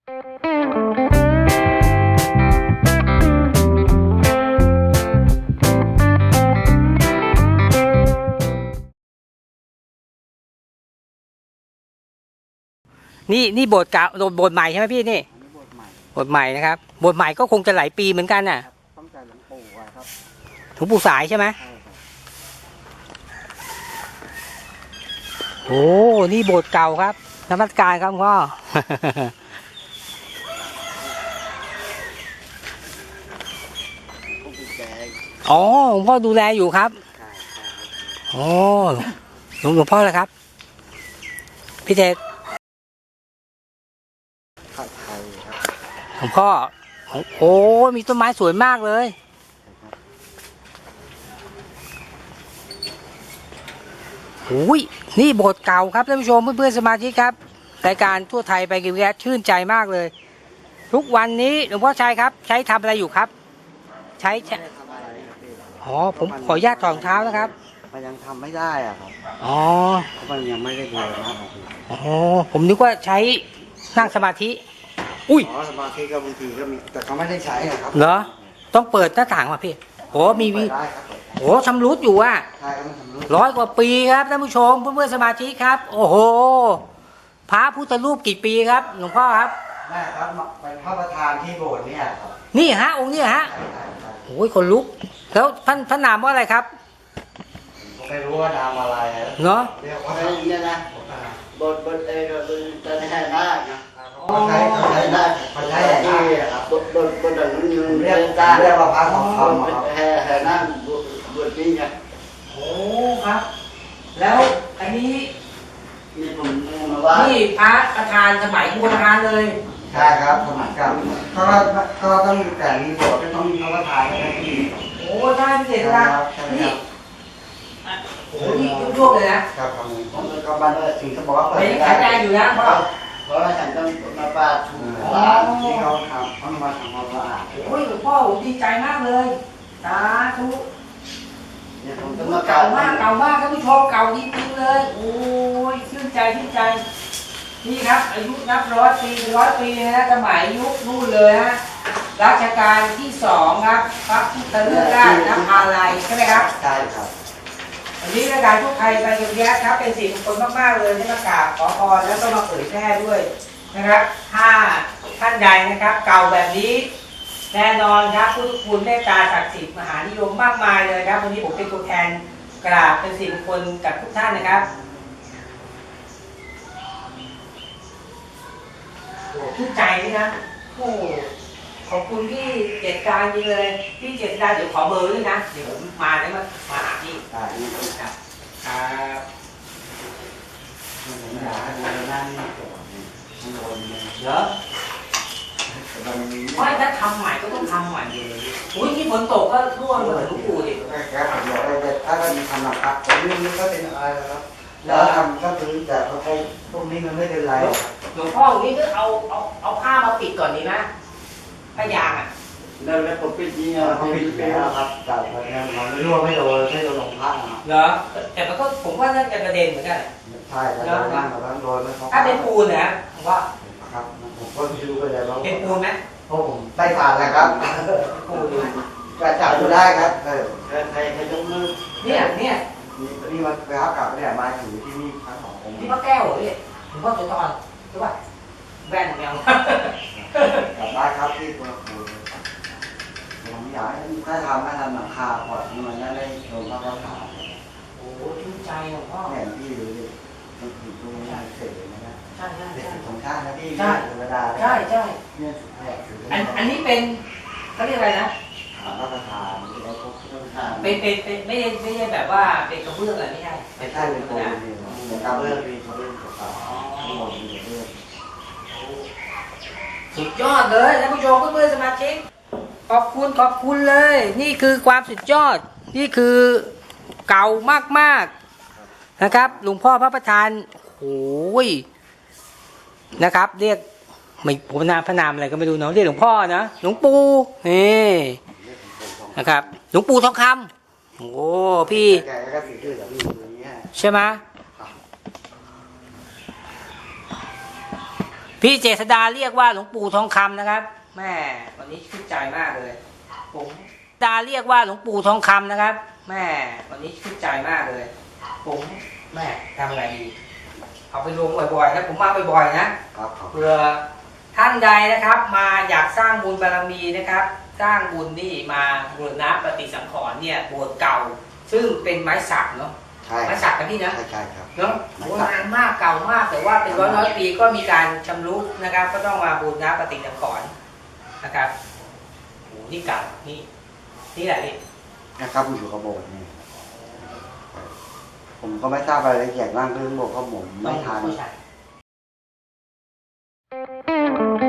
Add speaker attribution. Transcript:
Speaker 1: นี่โบสถ์เก่าโบสถ์ใหม่ใช่ไหมพี่นี่โบสถ์ใหม่นะครับโบสถ์ใหม่ก็คงจะหลายปีเหมือนกันน่ะ
Speaker 2: ตั้งแต่หลวงปู่ครับ
Speaker 1: หลวงปู่สายใช่ไหมโอ้นี่โบสถ์เก่าครับนมัสการครับพ่ออ๋อหลวงพ่อดูแลอยู่ครับอ๋อหลวงพ่อเลยครับพี่เทศหลวงพ่อโอ้มีต้นไม้สวยมากเลยโอ้ยนี่โบสถ์เก่าครับท่านผู้ชมเพื่อนๆสมาชิกครับรายการทั่วไทยไปกินแก๊สชื่นใจมากเลยทุกวันนี้หลวงพ่อชัยครับใช้ทำอะไรอยู่ครับใช้อ๋อผมขออนุญาตถอดรองเท้านะครับ
Speaker 2: มันยังทำไม่ได้อ่ะครับ
Speaker 1: อ๋อ
Speaker 2: มันยังไม่ได้เรียนนะครับ
Speaker 1: อ๋อผมนึกว่าใช้นั่งสมาธิอุ้ย
Speaker 2: สมาธิก็บางทีก็มีแต่เขาไม่ได้ใช้ครับ
Speaker 1: เหรอต้องเปิดหน้าต่างมาพี่โอ้มีโอ้ชำรุดอยู่อ่ะ100 กว่าปีครับท่านผู้ชมเพื่อนๆสมาชิกครับโอ้โหพระพุทธรูปกี่ปีครับหลวงพ่อครับ
Speaker 2: แม่ครับเป็นพระประธานที่โบสถ์เนี่ยครับ
Speaker 1: นี่ฮะองค์นี้ฮะโอ้ยคนลุกแล้วท่านนามว่าอะไรครับ
Speaker 2: ไม่รู้ว่านามอะไร
Speaker 1: เนาะ
Speaker 2: เรียกว่าเนี่ยนะโบสถ์เองก็เป็นจะใช้ได้นะเขาใช้ได้เขาใช้ได้ครับโบสถ์นั้นเรียกว่าพระทองคำครับแห่นั่งโบสถ์นี้ไง
Speaker 1: โอ้ครับแล้วอันนี้
Speaker 2: นี่ผมมาว่า
Speaker 1: นี่พระประธานสมัยโบราณเลย
Speaker 2: ใช่ครับสมัยก่อนก็ต้องแต่มีโบสถ์ก็ต้องมีพระประธานนะพี่
Speaker 1: โอ้ใช่พี่เจษฎานี่โอ้นี่ยุบๆเลยนะครับ
Speaker 2: ผมก็บ้านถึงจะบอกว่าเปิด
Speaker 1: ไม่ขายใจอยู่นะเพ
Speaker 2: ราะว่าฉันต้องมาปาดที่เขาทำเขามาทำความสะอาด
Speaker 1: โอ้ยหลวงพ่อผมดีใจมากเลยสาธุเก่ามากท่านผู้ชมเก่าจริงๆเลยโอ้ยชื่นใจนี่ครับอายุนับ100 ปี100 ปีนะสมัยยุคนู่นเลยฮะรัชกาลที่2ครับพระพุทธเลิศราชนภาลัยใช่ไหมครับ
Speaker 2: ใช่ครับ
Speaker 1: วันนี้รายการทุกไทยไปกับแย้ครับเป็นสิ่งมงคลมากๆเลยที่มากราบขอพรแล้วก็มาเผยแพร่ด้วยนะครับถ้าท่านใดนะครับเก่าแบบนี้แน่นอนครับพุทธคุณเมตตาศักดิ์สิทธิ์มหานิยมมากมายเลยครับวันนี้ผมเป็นตัวแทนกราบเป็นสิ่งมงคลกับทุกท่านนะครับชื่นใจนี่นะโอ้ขอบคุณพี่เจษฎาจริงเลยพี่เจษฎาเดี๋ยวขอเบอร์ด้วยนะเดี๋ยวผมมาแล้วมาหาพี่ครับครับเหรอไม่ถ้าทำใหม่ก็ต้องทำใหม่เลยอุ้ยที่ฝนตกก็ร่วงเหมือนลูกปูดิ
Speaker 2: ครับผมบอกว่าถ้าเรามีทำนะครับแต่เรื่องนี้ก็เป็นอะไรครับแล้วทำก็คือแต่พวกนี้มันไม่เป็นไร
Speaker 1: หลวงพ่อนี่ก็เอาผ้ามาปิดก่อนดีนะผ้ายางอ่ะ
Speaker 2: แล้วผมปิดนี่ผมปิดไปแล้วครับแต่มันไม่รั่วไม่โดนลงผ้า
Speaker 1: เหรอแต่มันก็ผมว่าน่าจะกระเด็นเหมือนกัน
Speaker 2: ใช่แล้วนั่งกับนั่งโดนแล้ว
Speaker 1: ถ้าเป็นปูนนะผมว่า
Speaker 2: ครับผมก็ไม่รู้ไปเลยว่า
Speaker 1: เป็นปูนไหม
Speaker 2: ผมได้ผ่านแล้วครับปูนจะจับดูได้ครับใครยกมือ
Speaker 1: เนี่ย
Speaker 2: นี่มันไปรับกลับเนี่ยมาถึงที่นี่ครั้ง2อง
Speaker 1: ที่พระแก้วเหรอพี่ผมก็จะตอนใช่ป่ะแว่นแมว
Speaker 2: กลับได้ครับที่ตัวปูนผมอยากให้ถ้าทำหลังคาพอมันได้ลงมาก็ผ่าน
Speaker 1: โอ้ชื่นใจหลวงพ่อ
Speaker 2: แห่พี่ดูดิมันผิดตรงนี้เสร็จเลยนะ
Speaker 1: ใช่
Speaker 2: ของชาตินะพี่ธรรมดา
Speaker 1: ใช่
Speaker 2: เนี่ย
Speaker 1: อันนี้เป็นเขาเรียกอะไรนะ
Speaker 2: พระประธานที่ได้พบพระประธาน
Speaker 1: เป็นไม่ใช่แบบว่าเป็นกระเบื้องอะไรไม่ใช่
Speaker 2: เป็นปูนเหมือนกระเบื้องมีกระเบื้องกับทั้งหมดมีกระเบื้อง
Speaker 1: สุดยอดเลยท่านผู้ชมเพื่อนๆสมาชิกขอบคุณเลยนี่คือความสุดยอดนี่คือเก่ามากๆนะครับหลวงพ่อพระประธานโอ้ยนะครับเรียกไม่ผมพระนามอะไรก็ไม่รู้เนาะเรียกหลวงพ่อนะหลวงปู่นี่นะครับหลวงปู่ทองคำโอ้พี่ใช่ไหมพี่เจษดาเรียกว่าหลวงปู่ทองคำนะครับแม่วันนี้ชื่นใจมากเลยผมดาเรียกว่าหลวงปู่ทองคำนะครับแม่วันนี้ชื่นใจมากเลยผมแม่ทำอะไรดีเอาไปลงบ่อยๆนะผมมาบ่อยๆนะครับเพื่อท่านใดนะครับ มาอยากสร้างบุญบารมีนะครับ สร้างบุญนี่มาบูรณะปฏิสังขรณ์เนี่ยโบสถ์เก่า ซึ่งเป็นไม้สักเนาะ
Speaker 2: ใช่
Speaker 1: ไม้สักนะพี่นะ
Speaker 2: ใช่ครับ
Speaker 1: เนาะโบราณมากเก่ามากแต่ว่าเป็นร้อยปีก็มีการชำรุดนะครับ ก็ต้องมาบูรณะปฏิสังขรณ์นะครับโอ้นี่เก่านี่แหละนี่
Speaker 2: นะครับอยู่กับโบสถ์นี่ผมก็ไม่ทราบรายละเอียดมากเรื่องโบสถ์เพราะผมไม่ทัน
Speaker 1: ต้องผู้ชาย